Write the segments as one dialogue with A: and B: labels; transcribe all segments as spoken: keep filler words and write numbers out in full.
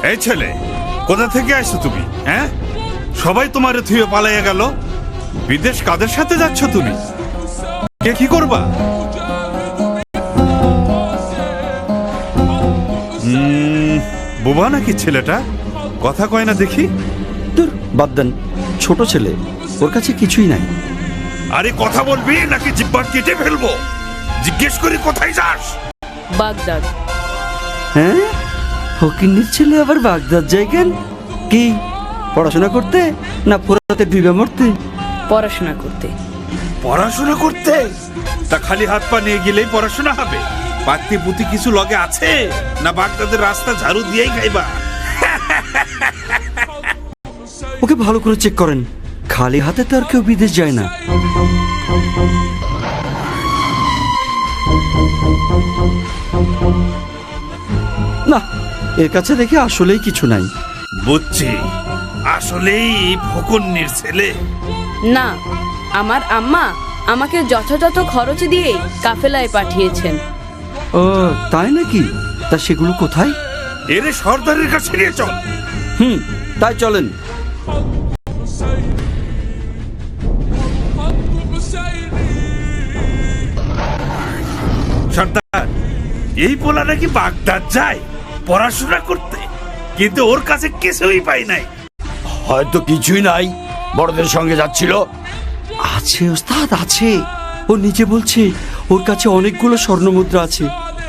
A: এই ছেলে, কোথা থেকে আসছো তুমি? হ্যাঁ, সবাই তোমারে থুয়ে পালাইয়া গেল। বিদেশ কাদের সাথে যাচ্ছ তুমি? কে কি করবা? হুম, বোবা নাকি ছেলেটা? কথা কয় না দেখি।
B: দূর, বাদ দেন, ছোট ছেলে, ওর কাছে কিছুই নাই।
A: আরে কথা বলবি নাকি জিব্বা কেটে ফেলবো? জিজ্ঞেস করি কোথায় যাস?
C: বাগদাদ।
B: হ্যাঁ, ফকিন্নির ছেলে আবার বাগদাদ যায় কেন? কি পড়াশোনা করতে না ফোরাতে ডুবে মরতে?
C: পড়াশোনা করতে।
A: পড়াশোনা করতে? তা খালি হাত পা নিয়ে গেলেই পড়াশোনা হবে? পাত্তি পুতি কিছু লগে আছে না বাগদাদের রাস্তা ঝাড়ু দিয়েই খাইবা?
B: ওকে ভালো করে চেক করেন, খালি হাতে তো আর কেউ বিদেশ যায় না। না, এর কাছে দেখে আসলেই কিছু নাই।
A: বুঝছি, আসলেই ফকুন্নির ছেলে।
C: না, আমার আম্মা আমাকে যথাযথ খরচ দিয়ে কাফেলায় পাঠিয়েছেন।
B: ও তাই নাকি? তা সেগুলো কোথায়?
A: এরে সর্দারের কাছে নিয়ে চল।
B: হুম, তাই চলেন।
A: সর্দার, এই পোলা নাকি বাগদাদ যায় পড়াশোনা করতে, কিন্তু ওর কাছে কিছুই পাই নাই।
D: হয়তো কিছুই নাই, বড়দের সঙ্গে যাচ্ছিল।
B: আছে ওস্তাদ, আছে। ও নিজে বলছে ওর কাছে অনেকগুলো স্বর্ণ মুদ্রা আছে।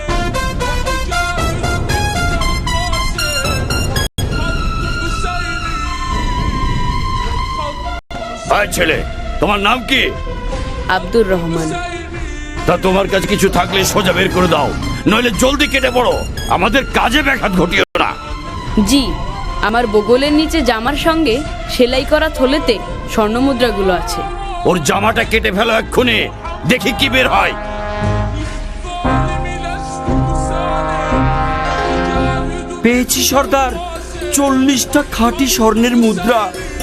D: ভাই ছেলে, তোমার নাম কি?
C: আব্দুর রহমান।
D: তা তোমার কাছে কিছু থাকলে সোজা বের করে দাও, নইলে জলদি কেটে পড়ো, আমাদের কাজে ব্যাঘাত ঘটিও না।
C: জি, আমার বগলের নিচে জামার সঙ্গে সেলাই করা থলেতে স্বর্ণমুদ্রাগুলো আছে।
D: ওর জামাটা কেটে ফেলো এক্ষুনি, দেখি কি বের হয়।
B: পেয়েছি সর্দার, চল্লিশটা খাঁটি স্বর্ণের মুদ্রা।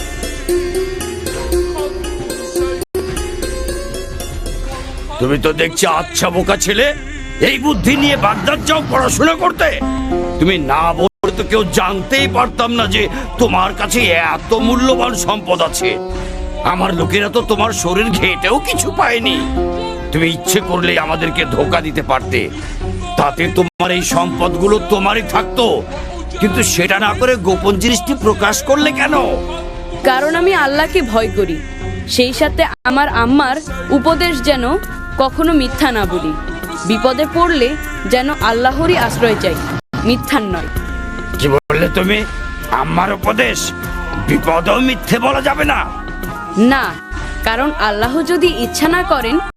D: তুমি তো দেখছি আচ্ছা বোকা ছেলে, এই বুদ্ধি নিয়ে বাগদাদ যাও পড়াশোনা করতে? তুমি না বলতে তো কেউ জানতেই পারতাম না যে তোমার কাছে এত মূল্যবান সম্পদ আছে। আমার লোকেরা তো তোমার শরীর ঘেটেও কিছু পায়নি। তুমি ইচ্ছে করলে আমাদেরকে ধোকা দিতে পারতে, তাতে তোমার এই সম্পদগুলো তোমারই থাকতো। কিন্তু সেটা না করে গোপন জিনিসটি প্রকাশ করলে কেন?
C: কারণ আমি আল্লাহকে ভয় করি, সেই সাথে আমার আম্মার উপদেশ যেন কখনো মিথ্যা না বলি। বিপদে পড়লে যেন আল্লাহরই আশ্রয় চাই, মিথ্যার নয়।
D: কি বললে তুমি? আমার উপদেশ? বিপদেও মিথ্যে বলা যাবে না।
C: না, কারণ আল্লাহ যদি ইচ্ছা না করেন